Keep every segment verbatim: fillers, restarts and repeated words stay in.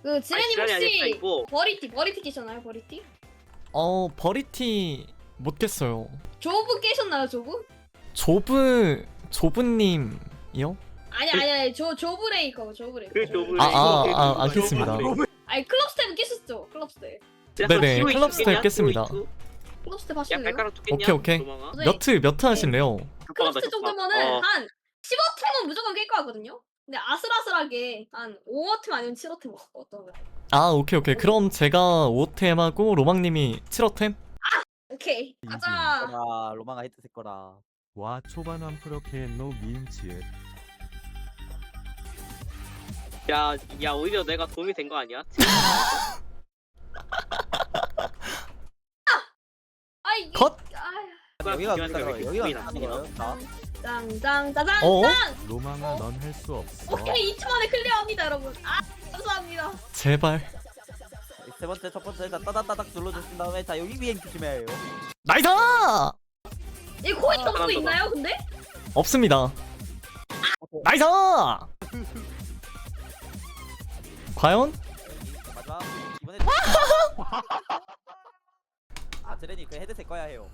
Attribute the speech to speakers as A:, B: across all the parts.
A: 그 지레님
B: 지랄이 아니라
A: 혹시
B: 이거.
A: 버리티 버리티 깨셨나요? 버리티?
C: 어 버리티 못 깼어요.
A: 조브 깨셨나요? 조브?
C: 조브 조브님이요?
A: 아니 아니 아니 조 조브레이커 조브레이커.
B: 그 조브.
C: 아, 아, 아, 알겠습니다.
A: 아니 클럽 스텝 깨셨죠? 클럽 스텝.
C: 네네, 클럽 스텝 깼습니다.
A: 클럽 스텝
B: 야
A: 하실래요?
B: 발가락 두겠냐?
C: 오케이, 오케이.
B: 도망아?
A: 네.
C: 몇트 몇트 하실래요?
A: 클럽 스텝 정도면은
B: 어.
A: 한 십오 팀은 무조건 깰 거 같거든요. 근데 아슬아슬하게 한 오 팀 아니면 칠 팀 어떤 거?
C: 아 오케이 오케이. 그럼 제가 오 템하고 로망님이 칠 템?
A: 오케이
D: 이지.
A: 가자.
E: 거라 로마가 헤드셋 거라.
D: 와 초반원 프로케노 미음치읒.
B: 야, 야 오히려 내가 도움이 된 거 아니야?
A: 아이
C: 컷!
A: 아,
E: 여기가
B: 비교하니까
E: 그니까
B: 왜 이렇게
E: 여기가
B: 구이 나쁘냐?
E: 나쁘네요. 자,
A: 짱짱 짜잔
C: 어?
A: 짱.
D: 로망아 넌 할 수 없어.
A: 오케이 이 초 만에 클리어합니다 여러분. 아 감사합니다.
C: 제발.
E: 세 번째 첫 번째 자 따닥따닥 눌러주신 다음에 자 여기 비행 조심해요.
C: 나이스!
A: 이 코인
B: 아,
A: 점수
B: 하나
A: 있나요 근데?
C: 없습니다. 나이스! 과연?
E: 마지막 이번에 아 드레니 그 헤드셋 꺼야 해요.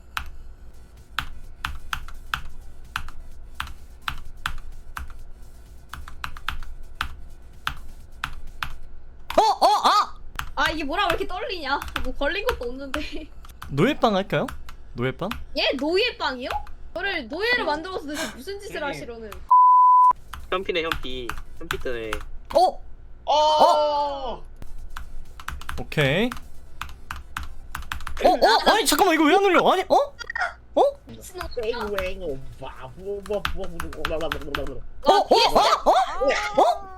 C: 어! 어! 아!
A: 아 이게 뭐라 왜 이렇게 떨리냐? 뭐 걸린 것도 없는데.
C: 노예빵 할까요? 노예빵?
A: 얘 노예빵이요? 저를 노예를 만들어서 대체 무슨 짓을 하시려는?
B: 현피네 현피. 현피 뜨네.
C: 어! 어! 오케이. 어? 어? 아니 잠깐만 이거 왜 안 눌려? 아니 어? 어?
A: 미친놈.
C: 어?
A: 와,
C: 어? 어? 어? 어?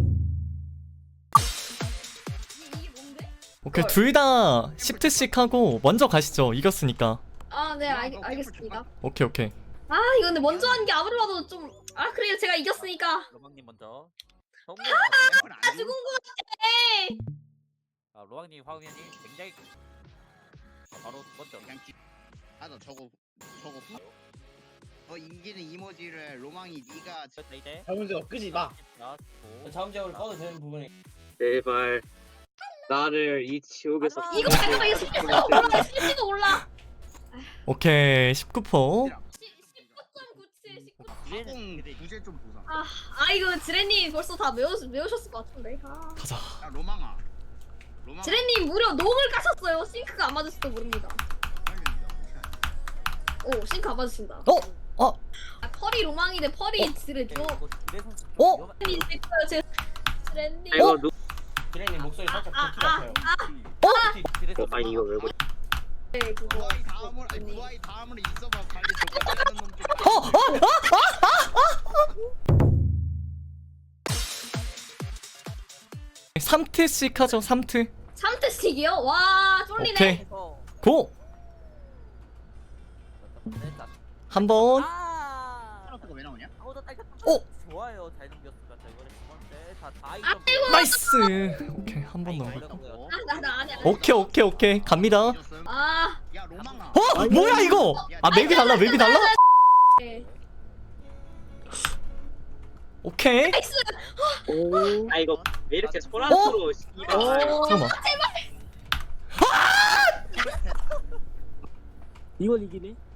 A: 이- 이게 뭔데?
C: 오케이 둘 다 십트씩 하고 먼저 가시죠. 이겼으니까.
A: 아 네 알겠습니다.
C: 오케이 오케이.
A: 아 이거 근데 먼저 하는 게 아무리 봐도 좀. 아 그래요 제가 이겼으니까.
E: 로망님 먼저.
A: 아 죽은 거 같아.
E: 아 로망님 화우현님 굉장히 아, 바로 먼저.
F: 그냥 기... 아나 저거 저거 후... 어 인기는 이모지를 로망이 네가
E: 자 이제
G: 문제가 끄지 마.
E: 자, 고.
G: 다음 작업을 꺼도 되는 부분이.
B: 제발 나를 이 지옥에서.
E: 아,
A: 이거 잠깐만 이거 실수가 올라 실수가 올라.
C: 오케이 십구 퍼.
A: 십구 점 구칠 십구.
F: 화공 부재 좀 보자.
A: 아, 아 이거 지레님 벌써 다 외우, 외우셨을 것 같은데. 아.
C: 가자.
F: 야 로망아. 로망아.
A: 지레님 무려 놈을 까셨어요. 싱크가 안 맞을지도 모릅니다. 오 싱크 안 맞으신다.
C: 어? 어?
A: 아, 펄이 로망이 대 펄이 지레 줘.
E: 이거 기대 선수.
C: 어?
E: 위험한-
A: 지레님 됐어요 제. 지레님.
B: 이거 누?
G: 기레님 목소리 살짝
A: 아,
G: 굵기
A: 아,
G: 같아요.
E: 기대
B: 어,
E: 선수.
B: 아니 이거 왜 그래?
A: 네 그거.
F: 부하이 다음으로 아니 부하이 다음으로 있어봐 빨리 족발하는 놈들.
C: 삼 트씩 하죠. 삼 트.
A: 삼 트 스틱이요? 와 쫄리네.
C: 오케이.
E: 어.
C: 고!
E: 네, 자.
C: 한번.
E: 아.
F: 카라트가 왜 나오냐?
E: 어, 나 딸기
C: 오!
E: 좋아요. 잘 넘겼습니다. 자, 이번에 두 번째. 자, 다이
A: 아이고.
C: 나이스. 오케이 한 번 더.
F: 어?
A: 아나나 아니야.
C: 오케이 오케이 오케이 갑니다.
A: 아.
F: 야 로망아.
C: 어? 뭐야 이거? 아 맵이 달라 맵이 달라?
A: 네.
C: 오케이.
A: 나이스.
B: 오. 아 이거 왜 이렇게 소란스러워? 씨발.
C: 잠깐만.
G: 이건 이기네.